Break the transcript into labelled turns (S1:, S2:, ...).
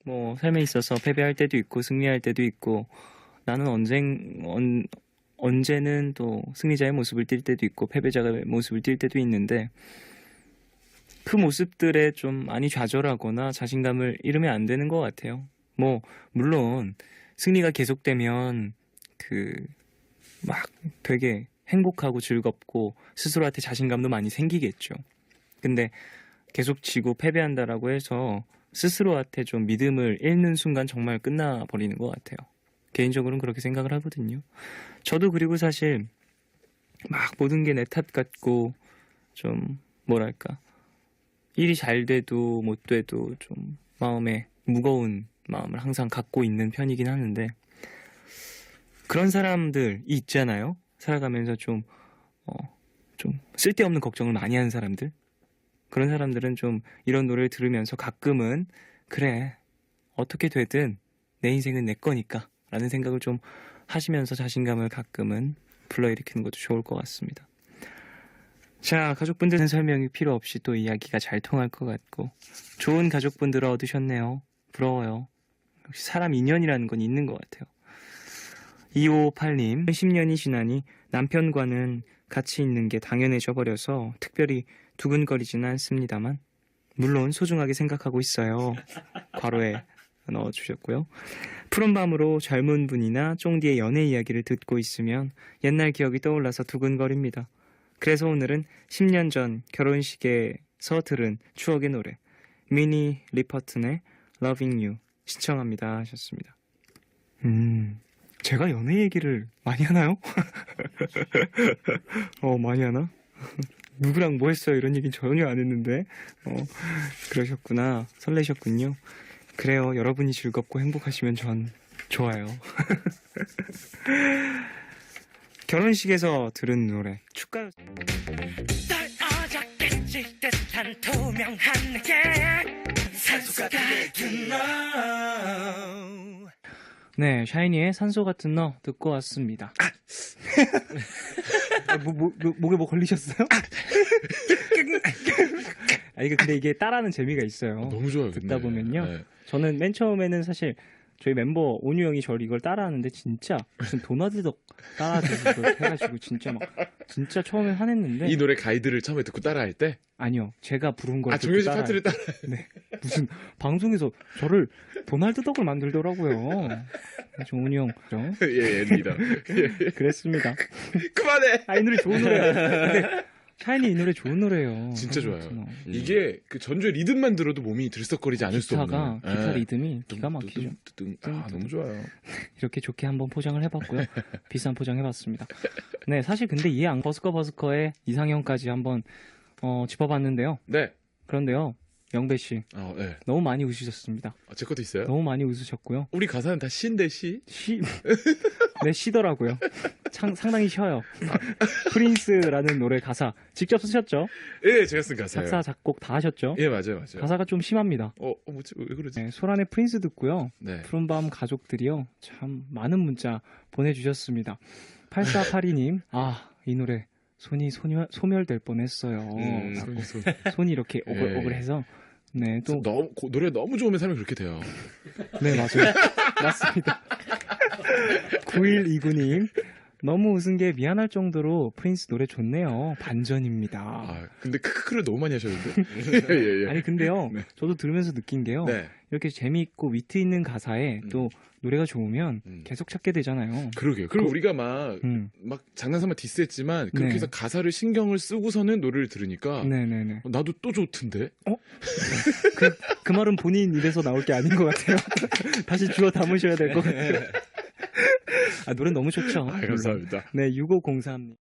S1: 뭐 삶에 있어서 패배할 때도 있고 승리할 때도 있고 나는 언제는 또 승리자의 모습을 띌 때도 있고 패배자의 모습을 띌 때도 있는데 그 모습들에 좀 많이 좌절하거나 자신감을 잃으면 안 되는 것 같아요. 뭐 물론 승리가 계속되면 그 막 되게 행복하고 즐겁고 스스로한테 자신감도 많이 생기겠죠. 근데 계속 지고 패배한다라고 해서 스스로한테 좀 믿음을 잃는 순간 정말 끝나버리는 것 같아요. 개인적으로는 그렇게 생각을 하거든요. 저도 그리고 사실 막 모든 게 내 탓 같고 좀 뭐랄까 일이 잘 돼도 못 돼도 좀 마음에 무거운 마음을 항상 갖고 있는 편이긴 하는데 그런 사람들이 있잖아요. 살아가면서 좀 쓸데없는 걱정을 많이 하는 사람들. 그런 사람들은 좀 이런 노래를 들으면서 가끔은 그래 어떻게 되든 내 인생은 내 거니까 라는 생각을 좀 하시면서 자신감을 가끔은 불러일으키는 것도 좋을 것 같습니다. 자, 가족분들은 설명이 필요 없이 또 이야기가 잘 통할 것 같고 좋은 가족분들을 얻으셨네요. 부러워요. 역시 사람 인연이라는 건 있는 것 같아요. 2558님 10년이 지나니 남편과는 같이 있는 게 당연해져 버려서 특별히 두근거리지는 않습니다만 물론 소중하게 생각하고 있어요. 괄호에 넣어주셨고요. 푸른 밤으로 젊은 분이나 쫑디의 연애 이야기를 듣고 있으면 옛날 기억이 떠올라서 두근거립니다. 그래서 오늘은 10년 전 결혼식에서 들은 추억의 노래 미니 리퍼튼의 Loving You 시청합니다 하셨습니다. 제가 연애 얘기를 많이 하나요? 많이 하나? 누구랑 뭐 했어요? 이런 얘기는 전혀 안 했는데 그러셨구나. 설레셨군요. 그래요. 여러분이 즐겁고 행복하시면 전 좋아요. 결혼식에서 들은 노래 축가
S2: 떨어졌겠지 듯한 투명한 게 산소 같은 너.
S1: 네, 샤이니의 산소 같은 너 듣고 왔습니다. 목에 뭐 걸리셨어요? 이거 근데 이게 따라하는 재미가 있어요.
S3: 너무 좋아요.
S1: 듣다
S3: 근데.
S1: 보면요.
S3: 네.
S1: 저는 맨 처음에는 사실 저희 멤버 온유 형이 저를 이걸 따라하는데 진짜 무슨 도나드 덕 따라하듯이 해가지고 진짜 처음에 화냈는데
S3: 이 노래 가이드를 처음에 듣고 따라할 때?
S1: 아니요, 제가 부른 걸 듣고
S3: 정효진 파트를 따라.
S1: 네, 무슨 방송에서 저를 도날드 덕을 만들더라고요. 온유 형, 그죠?
S3: 예, 리더. 예.
S1: 그랬습니다.
S3: 그만해.
S1: 이 노래 좋은 노래예요. 근데 샤이니 이 노래 좋은 노래예요.
S3: 진짜 좋아요. 이게 그 전주의 리듬만 들어도 몸이 들썩거리지 않을 수 없는.
S1: 기타 리듬이 기가 막히죠.
S3: 너무 좋아요.
S1: 이렇게 좋게 한번 포장을 해봤고요. 비싼 포장 해봤습니다. 네, 사실 근데 이 버스커의 이상형까지 한번 짚어봤는데요.
S3: 네.
S1: 그런데요, 영배 씨,
S3: 네.
S1: 너무 많이 웃으셨습니다.
S3: 제 것도 있어요?
S1: 너무 많이 웃으셨고요.
S3: 우리 가사는 다 시인데 시?
S1: 네, 쉬더라고요. 상당히 쉬어요. 프린스라는 노래 가사 직접 쓰셨죠?
S3: 예, 제가 쓴 가사예요.
S1: 작사, 작곡 다 하셨죠?
S3: 예, 맞아요.
S1: 가사가 좀 심합니다.
S3: 뭐지? 왜 그러지?
S1: 네, 소란의 프린스 듣고요.
S3: 네.
S1: 푸른밤 가족들이요. 참 많은 문자 보내주셨습니다. 8482님, 이 노래 손이 소멸될 뻔했어요. 손이 이렇게 오글오글해서. 네, 또
S3: 노래 너무 좋으면 사람이 그렇게 돼요.
S1: 네, 맞아요. 맞습니다. 9129님, 너무 웃은 게 미안할 정도로 프린스 노래 좋네요. 반전입니다.
S3: 근데 크크를 너무 많이 하셨는데. 예.
S1: 아니 근데요,
S3: 네.
S1: 저도 들으면서 느낀 게요.
S3: 네.
S1: 이렇게 재미있고 위트 있는 가사에 또 노래가 좋으면 계속 찾게 되잖아요.
S3: 그러게요. 그리고 우리가 막 장난삼아 디스했지만 그렇게
S1: 네.
S3: 해서 가사를 신경을 쓰고서는 노래를 들으니까
S1: 네네네.
S3: 나도 또 좋던데?
S1: 그 말은 본인 입에서 나올 게 아닌 것 같아요. 다시 주워 담으셔야 될 것 같아요. 노래 너무 좋죠.
S3: 감사합니다.
S1: 네, 6503님.